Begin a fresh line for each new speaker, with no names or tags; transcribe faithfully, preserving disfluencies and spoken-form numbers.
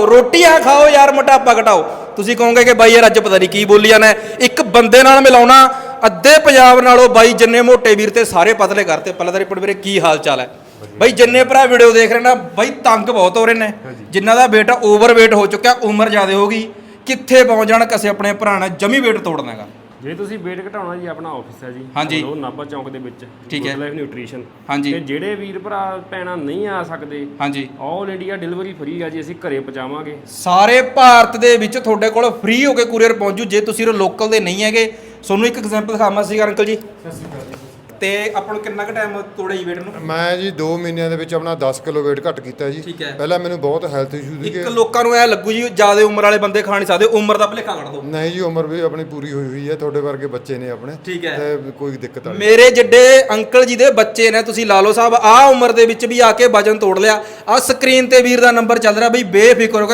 ਰੋਟੀਆਂ ਖਾਓ ਯਾਰ, ਮੋਟਾਪਾ ਘਟਾਓ। ਤੁਸੀਂ ਕਹੋਗੇ ਕਿ ਬਾਈ ਯਾਰ ਅੱਜ ਪਤਾ ਨਹੀਂ ਕੀ ਬੋਲੀ ਜਾਣਾ। ਇੱਕ ਬੰਦੇ ਨਾਲ ਮਿਲਾਉਣਾ ਅੱਧੇ ਪੰਜਾਬ ਨਾਲੋਂ ਬਾਈ ਜਿੰਨੇ ਮੋਟੇ ਵੀਰ ਤੇ ਸਾਰੇ ਪਤਲੇ ਕਰਤੇ। ਪਹਿਲਾਂ ਤਾਂ ਰਿਪੋਰਟ ਵੀਰੇ ਕੀ ਹਾਲ ਚਾਲ ਹੈ ਬਾਈ? ਜਿੰਨੇ ਭਰਾ ਵੀਡੀਓ ਦੇਖ ਰਹੇ ਨਾ ਬਾਈ ਤੰਗ ਬਹੁਤ ਹੋ ਰਹੇ ਨੇ, ਜਿਨ੍ਹਾਂ ਦਾ ਬੇਟਾ ਓਵਰਵੇਟ ਹੋ ਚੁੱਕਿਆ, ਉਮਰ ਜ਼ਿਆਦਾ ਹੋ ਗਈ, ਕਿੱਥੇ ਪਹੁੰਚ ਜਾਣ ਕਿਸੇ ਆਪਣੇ ਭਰਾ ਨੇ ਜਮੀ ਵੇਟ ਤੋੜਨਾ ਹੈਗਾ।
ਜੇ ਤੁਸੀਂ ਵੇਟ ਘਟਾਉਣਾ ਜੀ, ਆਪਣਾ ਆਫਿਸ ਹੈ ਜੀ,
ਹਾਂਜੀ,
ਉਹ ਨਾਭਾ ਚੌਂਕ ਦੇ ਵਿੱਚ,
ਠੀਕ ਹੈ,
ਲਾਈਫ ਨਿਊਟ੍ਰੀਸ਼ਨ।
ਹਾਂਜੀ,
ਤੇ ਜਿਹੜੇ ਵੀਰ ਭਰਾ ਭੈਣਾਂ ਨਹੀਂ ਆ ਸਕਦੇ,
ਹਾਂਜੀ,
ਆਲ ਇੰਡੀਆ ਡਿਲੀਵਰੀ ਫ੍ਰੀ ਆ ਜੀ, ਅਸੀਂ ਘਰੇ ਪਹੁੰਚਾਵਾਂਗੇ।
ਸਾਰੇ ਭਾਰਤ ਦੇ ਵਿੱਚ ਤੁਹਾਡੇ ਕੋਲ ਫ੍ਰੀ ਹੋ ਕੇ ਕੁਰੀਅਰ ਪਹੁੰਚੂ। ਜੇ ਤੁਸੀਂ ਲੋਕਲ ਦੇ ਨਹੀਂ ਹੈਗੇ, ਤੁਹਾਨੂੰ ਇੱਕ ਐਗਜ਼ਾਮਪਲ ਦਿਖਾਵਾਂ ਸੀ ਅੰਕਲ ਜੀ।
ਸਤਿ ਸ਼੍ਰੀ ਅਕਾਲ ਜੀ।
ਤੇ ਆਪਾਂ ਨੂੰ ਕਿੰਨਾ ਕੁ ਟਾਈਮ ਤੋੜੇ ਜੀ ਵੇਟ ਨੂੰ?
ਮੈਂ ਜੀ ਦੋ ਮਹੀਨਿਆਂ ਦੇ ਵਿੱਚ ਆਪਣਾ ਦਸ ਕਿਲੋ weight ਘੱਟ ਕੀਤਾ ਜੀ।
ਠੀਕ ਹੈ।
ਪਹਿਲਾਂ ਮੈਨੂੰ ਬਹੁਤ ਹੈਲਥ ਇਸ਼ੂ ਸੀਗੇ।
ਇੱਕ ਲੋਕਾਂ ਨੂੰ ਐ ਲੱਗੂ ਜੀ ਜਿਆਦਾ ਉਮਰ ਵਾਲੇ ਬੰਦੇ ਖਾ ਨਹੀਂ ਸਕਦੇ, ਉਮਰ ਦਾ ਭੁਲੇਖਾ ਕੱਢ ਦੋ।
ਨਹੀਂ ਜੀ, ਉਮਰ ਵੀ ਆਪਣੀ ਪੂਰੀ ਹੋਈ ਹੋਈ ਹੈ, ਤੁਹਾਡੇ ਵਰਗੇ ਬੱਚੇ ਨੇ ਆਪਣੇ।
ਠੀਕ ਹੈ।
ਤੇ ਕੋਈ ਦਿੱਕਤ ਨਹੀਂ।
ਮੇਰੇ ਜਿੱਡੇ ਅੰਕਲ ਜੀ ਦੇ ਬੱਚੇ ਨੇ, ਤੁਸੀਂ ਲਾ ਲਓ ਸਾਹਿਬ, ਆਹ ਉਮਰ ਦੇ ਵਿੱਚ ਵੀ ਆ ਕੇ ਵਜਨ ਤੋੜ ਲਿਆ। ਆਹ ਸਕਰੀਨ ਤੇ ਵੀਰ ਦਾ ਨੰਬਰ ਚੱਲ ਰਿਹਾ ਬਈ, ਬੇਫਿਕਰ ਹੋ ਕੇ